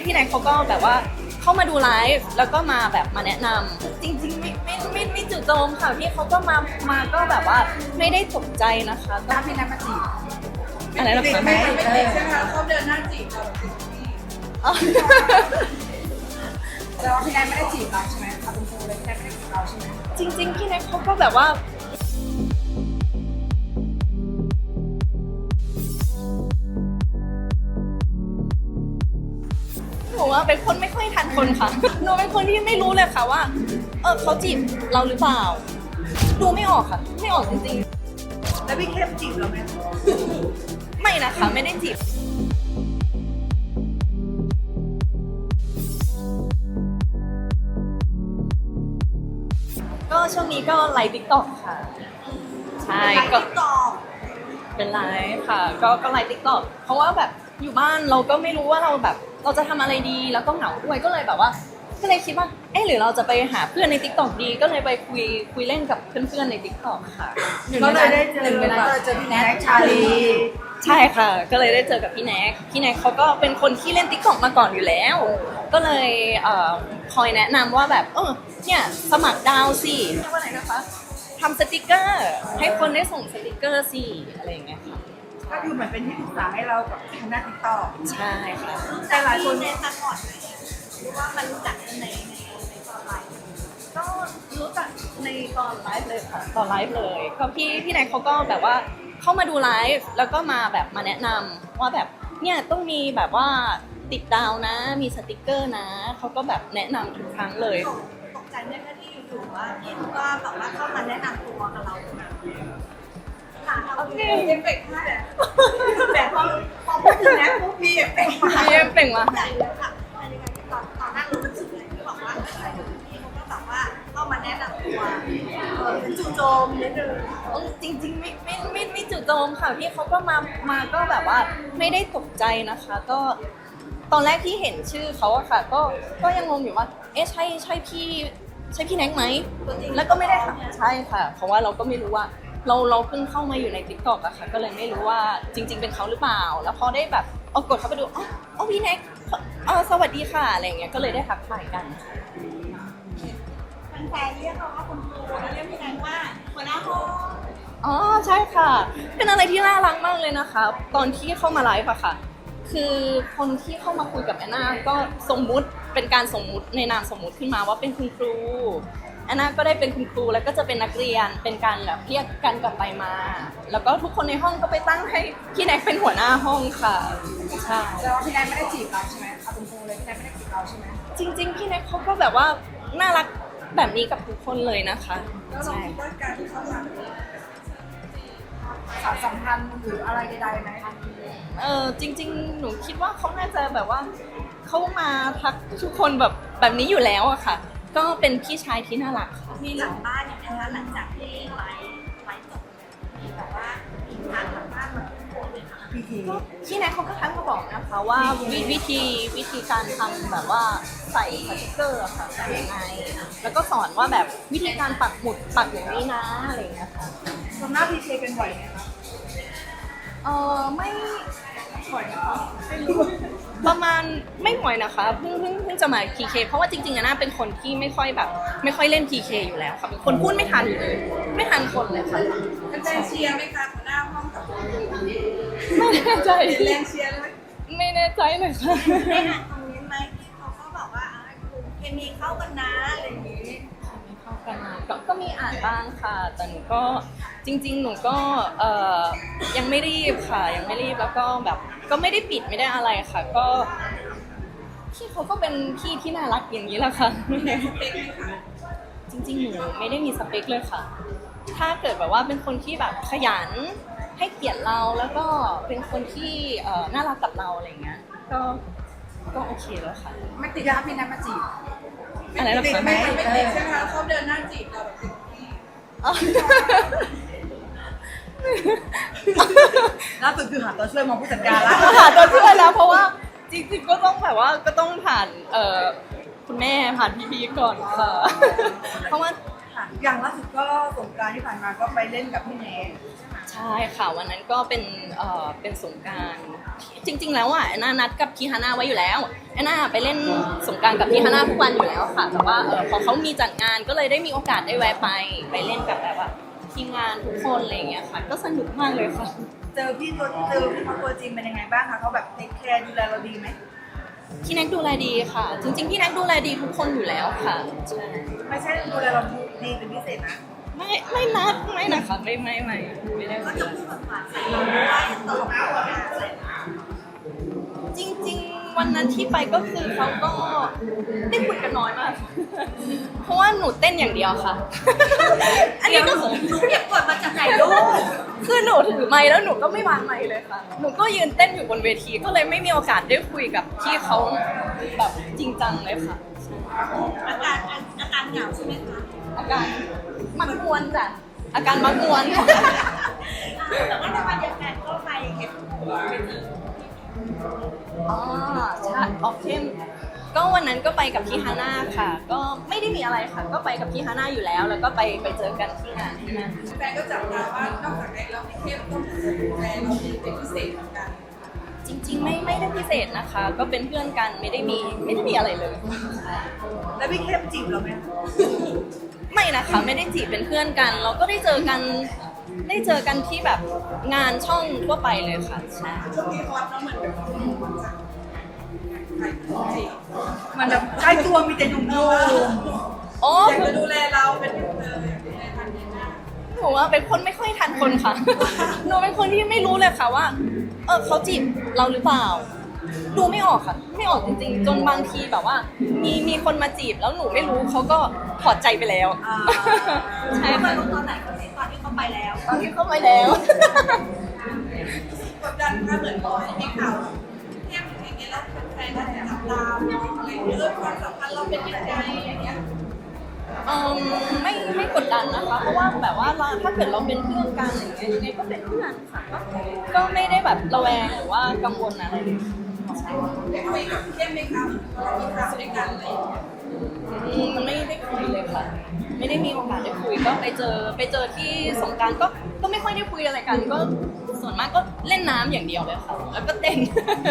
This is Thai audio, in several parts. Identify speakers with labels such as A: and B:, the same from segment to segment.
A: พี่แน็กเขาก็แบบว่าเข้ามาดูไลฟ์แล้วก็มาแบบมาแนะนำจริงๆไม่จู่โจมค่ะพี่เขาก็มาก็แบบว่าไม่ได้ตกใจนะคะก็
B: ตามพี่นัทมาจีบ
A: อะไรนะ
B: ติด
A: คะ
B: ไหมไม่ติดใช่ไหมคะเขาเดินหน้าจีบเราแบบติดที่
A: อ๋อ
B: แต่ว่าพี่นัทไม่ได้จีบเราใช่ไหมเอาตรงๆเลยพี่นัทไม่ได้จีบเราใช่ไหม
A: จริงๆพี่แน็กเขาก็แบบว่าหนูว่าเป็นคนไม่ค่อยทันคนค่ะหนูเป็นคนที่ไม่รู้เลยค่ะว่าเขาจีบเราหรือเปล่าดูไม่ออกค่ะไม่ออกจริง
B: แล้วพี่เข้มจีบเราไหม
A: ๆไม่นะคะไม่ได้จีบก็ช่วงนี้ก็ไลฟ์ติ๊กต็อกค่ะใช่ก็
B: ต่อ
A: เป็นไลฟ์ค่ะก็ไลฟ์ติ๊กต็อกเพราะว่าแบบอยู่บ้านเราก็ไม่รู้ว่าเราแบบเราจะทำอะไรดีแล้วก็เหงาด้วยก็เลยแบบว่าก็เลยคิดว่าหรือเราจะไปหาเพื่อนในติ๊กต็อกดีก็เลยไปคุยเล่นกับเพื่อนๆในติ๊กต็อกค่ะ
B: ก็เลยได้เจอพี่แน็กชาลี
A: ใช่ค่ะก็เลยได้เจอกับพี่แน็กเขาก็เป็นคนที่เล่นติ๊กต็อกมาก่อนอยู่แล้วก็เลยคอยแนะนำว่าแบบเนี่ยสมัครดาวสิเรียกว่าไหนนะคะทำสติกเกอร์ให้คนได้ส่งสติกเกอร์สิอะไรอย่างเงี้ยค่ะ
B: ก็คือเหมือนเป็นที่ปรึกษาให้เรากับทางด้านติ๊กต็อก
A: ใช่ค่ะ
B: แต่หลายคน
C: ในตะก่อนหรือว่ามันรู้จักกันในตอนไลฟ์
A: ก็รู้จักในตอนไลฟ์เลยค่ะตอนไลฟ์เลยก็พี่แน็กเขาก็แบบว่าเข้ามาดูไลฟ์แล้วก็มาแบบมาแนะนำว่าแบบเนี่ยต้องมีแบบว่าติดดาวนะมีสติกเกอร์นะเขาก็แบบแนะนำทุกครั้งเลย
C: ตกใจไหมคะที่อยู่ๆว่าพี่ก็แบบว่าเข้ามาแนะนำตัวกับเราค่ะโอเคเอฟเฟกต์ให้แต่พอพูดถึงนะปุ๊บมีเอฟเฟกต์มา
A: พี่เป่งมา
C: ใหญ่เลยค่ะในการที่ตอนนั่งรู้สึกเลยที่บอกว่าพี่เขาก็แบบว่าเข้ามาแนะนำตัวเป็นจู่โจมนิดนึง
A: จริงๆไม่จู่โจมค่ะพี่เขาก็มาก็แบบว่าไม่ได้ตกใจนะคะ ก็ตอนแรกที่เห็นชื่อเขาอะค่ะ ก็ยังงงอยู่ว่าใช่พี่แน็กไหมแล้วก็ไม่ได้ค่ะใช่ค่ะ เพราะว่าเราก็ไม่รู้ว่าเราเพิ่งเข้ามาอยู่ใน TikTok อะค่ะ ก็เลยไม่รู้ว่าจริง ๆ เป็นเขาหรือเปล่า แล้วพอได้แบบกดเข้าไปดูพี่แน็กสวัสดีค่ะอะไรอย่างเงี้ยก็เลยได้ทักทายกัน
C: แฟนๆเรียกเราว่าคุณครูแล้วเรียกพี่แนนว่าหัวหน้าห้อง
A: อ๋อใช่ค่ะ เป็นอะไรที่น่ารักมากเลยนะคะ ตอนที่เข้ามาไลฟ์อะค่ะ คือคนที่เข้ามาคุยกับแอนนาก็สมมุติเป็นการสมมุติในนามสมมุติขึ้นมาว่าเป็นคุณครูแอนนาก็ได้เป็นคุณครูแล้วก็จะเป็นนักเรียนเป็นการแบบเรียกกันกลับไปมา แล้วก็ทุกคนในห้องก็ไปตั้งให้พี่แน็กเป็นหัวหน้าห้องค่ะใช่
B: แต่ว่าพี่นัทไม่ได้จีบเราใช่ไหมเอาตรงๆเลยพี่นัทไม่ได้จีบเราใช่ไหม
A: จริงๆพี่แน็กเขาก็แบบว่าน่ารักแบบนี้กับทุกคนเลยนะคะ
B: แล้วเรา
A: ใช่
B: คิดว่าการที่เขามาสารสัมพันธ์หรืออะไรใดๆไหม
A: จริงๆ หนูคิดว่าเขาน่าจะแบบว่าเขามาทักทุกคนแบบนี้อยู่แล้วอะค่ะ ก็เป็นพี่ชายที่น่ารักค่ะ
C: มีหลังบ้านอย่างนะคะหลังจากที่ไลฟ์จบมีแบบว่ามีทางหลังบ้านมาทุกคนเลยค่ะ
B: พี่ที
A: ก็พี่แนทเขาก็ทักมาบอกนะคะว่าวิธีการทำแบบว่าใส่สติกเกอร์อะค่ะใส่ยังไง แล้วก็สอนว่าแบบวิธีการปักหมุดปักอย่างนี้นะอะไรอย่างเงี้ยค่ะ
B: ทำหน้าพีเคกันบ่อยไหมคะ
A: ไม่บ่อยนะคะไม่รู้ประมาณไม่บ่อยนะคะเพิ่งจะมา PK เพราะว่าจริงๆอะน่าเป็นคนที่ไม่ค่อยเล่น PK อยู่แล้วค่ะเป็นคนพูดไม่ทันเลยไม่ทันคนเลยค่ะ
B: เป็นแรงเชียร์ไหมคะหัวหน้าห้องกับ
A: ไม่แน่ใจ
B: เป็นแรงเชียร์ไหม
A: ไม่แน่ใจเลยค่ะ
C: ได้อ่านคอมเมนต์ไหมที่เขาก็บอกว่าเคมีเข้ากันนะอะไรอย่างนี้
A: ไม่เข้ากันมาก็มีอ่านบ้างค่ะ แต่หนูก็จริงๆ หนูก็ยังไม่รีบค่ะ ยังไม่รีบแล้วก็แบบก็ไม่ได้ปิดไม่ได้อะไรค่ะ ก็พี่เขาก็เป็นพี่ที่น่ารักอย่างนี้แหละค่ะ จริงๆ หนูไม่ได้มีสเปคเลยค่ะ ถ้าเกิดแบบว่าเป็นคนที่แบบขยันให้เกียรติเราแล้วก็เป็นคนที่น่ารักกับเราอะไรเงี้ยก็โอเคแล้วค่ะ
B: ไม่ติดยาพี่นัทมาจีบ
A: อะไรนะ
B: ติด
A: คะ
B: ไหมไม่ติดใช่ไหมคะเขาเดินหน้าจีบเราแบบติดที่
A: อ๋อ
B: ล่าสุดคือหาตัวช่วยมองผู้จัดการแล้ว
A: หาตัวช่วยแล้วเพราะว่าจริงๆก็ต้องแบบว่าก็ต้องผ่านคุณแม่ผ่านพี่ๆก่อนค่ะ เพราะว่า
B: อย่างล่าสุดก็สงกรานต์ที่ผ่านมาก็ไปเล่นกับพี่แนน
A: ใช่ช่ค่ะวันนั้นก็เป็นสงกรานต์จริง ๆ แล้วอ่ะแอนนานัดกับพี่ฮาน่าไว้อยู่แล้วแอนนาไปเล่นสงกรานต์กับพี่ฮาน่าทุกวันอยู่แล้วค่ะแต่ว่าพอเขามีจัดงานก็เลยได้มีโอกาสได้แวะไปเล่นกับแบบว่าทีมงานทุกคนอะไรอย่างเงี้ยค่ะก็สนุกมากเลยค่ะ
C: เจอพี่เขาตัวจริงเป็นยังไงบ้างคะเขาแบบเทคแคร์ดูแลเราดีไหม
A: พี่แน็กดูแลดีค่ะ จริงๆพี่แน็กดูแลดีทุกคนอยู่แล้วค่ะใช่
C: ไม่ใช่ดูแลเราดีเป็นพิเศษนะ
A: ไม่นะคะไม่ได้
C: ก็จะพูดแบบหวานใส่เราด้วยตลกตัวงานอะไร
A: จริงๆวันนั้นที่ไปก็คือเขาก็ได้คุยกันน้อยมาก เพราะว่าหนูเต้นอย่างเดียวค่ะ อันนี้ก็คือ
C: หนูเก็บกดมาจากไหนลูก
A: คือหนูถือไมค์แล้วหนูก็ไม่วางไมค์เลยค่ะ หนูก็ยืนเต้นอยู่บนเวทีก็เลยไม่มีโอกาสได้คุยกับพี่เขาแบบจริงจังเลยค่ะ
C: อาการเหงาใช่ไหมคะ
A: อาการมักมวนจ้ะอาการมักมวน
C: แต่ว่าในวันเดียวกันก็ไปเก็บ
A: อ๋อใช่ออฟเข้มก็วันนั้นก็ไปกับพี่ฮาน่าค่ะ ก็ไม่ได้มีอะไรค่ะ ก็ไปกับพี่ฮาน่าอยู่แล้ว แล้วก็ไปเจอกันที่งานที่นั่น
B: แฟนก็จับตาว่านอกจากในเราในเข้มก็ดูแลเราเป็นพิเศษเหมือนกัน
A: จริงๆไม่ได้พิเศษนะคะ ก็เป็นเพื่อนกันไม่ได้มีอะไรเลยใช่
C: แล้วพี่เข้มจีบเราไหม
A: ไม่นะคะไม่ได้จีบเป็นเพื่อนกัน เราก็ได้เจอกันที่แบบงานช่องทั่วไปเลยค่ะใช่
B: ช่วงนี้ฮอตเนาะเหมือนแบบใครจริง
C: มันแบบใกล้ตัวมีแต่หนุ่ม
A: อ๋อ
B: อยากจะดูแลเราเป็นดูแลทันทีหน้า
A: หนูว่าเป็นคนไม่ค่อยทันคนค่ะ หนูเป็นคนที่ไม่รู้เลยค่ะว่าเขาจีบเราหรือเปล่า ดูไม่ออกค่ะ ไม่ออกจริงๆ จนบางทีแบบว่า มีคนมาจีบแล้วหนูไม่รู้เขาก็ถอดใจไปแล้ว
C: ๆ
A: ใช่
C: มา
A: ค่ะ
C: รู้ตอนไหนตอนที่เขาไปแล้ว
A: ตอนที่เข้าไปแล้ว
B: กดดันค่ะเหมือนบอกให้มีข่าวเข้มอย่างเงี้ยแล้วแฟนก็จับตามองอะไรอย่างเงี้ยความสัมพันธ์เราเป็นยังไงอะไรเงี้ย
A: ไม่กดดันนะคะ เพราะว่าแบบว่าถ้าเกิดเราเป็นเพื่อนกันอย่างเงี้ยยังไงก็เป็นเพื่อนค่ะก็ไม่ได้แบบระแวงหรือว่ากังวลอะไรเลย
B: ได้คุยกับเข้มไหมคะเรามีข่าวด้วยกันอะไรอย่างเงี้ย
A: มันไม่ได้คุยเลยค่ะ ไม่ได้มีโอกาสได้คุยก็ไปเจอที่สงกรานต์ก็ไม่ค่อยได้คุยอะไรกัน ก็ส่วนมากก็เล่นน้ำอย่างเดียวเลยค่ะ แล้วก็เต้น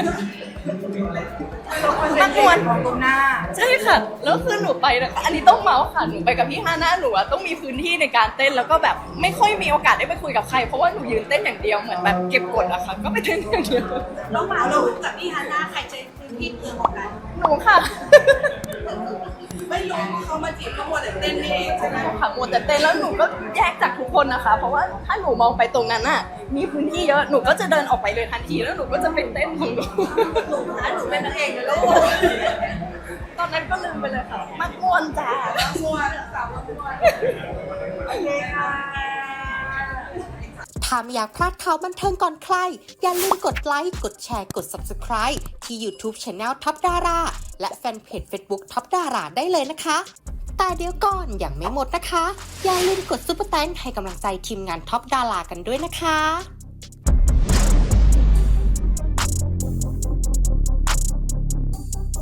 C: นักมวยของตรงหน้า
A: ใช่ค่ะ แล้วคือหนูไปนะคะอันนี้ต้องเมาส์ค่ะ หนูไปกับพี่ฮาน่าหนูอะต้องมีพื้นที่ในการเต้น แล้วก็แบบไม่ค่อยมีโอกาสได้ไปคุยกับใคร เพราะว่าหนูยืนเต้นอย่างเดียว เหมือนแบบเก็บกดอะค่ะ ก็ไปเต้นอย่างเดียว
C: น้องหมาเรากับพี่ฮาน่าใครใช้พื้นที่เกินของกัน
A: หนูค่ะ
B: ไม่รู้ว่าเขามาจีบก็มัวแต่เต้นนี่เองใช่ไหม
A: ค่ะมัวแต่เต้นแล้วหนูก็แยกจากทุกคนนะคะ เพราะว่าถ้าหนูมองไปตรงนั้นน่ะ มีพื้นที่เยอะ หนูก็จะเดินออกไปเลยทันที แล้วหนูก็จะไปเต้นของหนู
C: หนูเป็นนางเอกนะลูก
A: ตอนนั้นก็ลืมไปเลยค่ะ มักม่วนจ้า
B: มัวสาวมัว
C: โอเคค่ะ
D: ถ้าไม่อยากพลาดข่าวบันเทิงก่อนใคร อย่าลืมกดไลค์ กดแชร์ กด Subscribe ที่ YouTube Channel ท็อปดาราและแฟนเพจ Facebook ท็อปดาราได้เลยนะคะ แต่เดี๋ยวก่อนยังไม่หมดนะคะ อย่าลืมกดซุปเปอร์แตงให้กำลังใจทีมงานท็อปดารากันด้วยนะคะ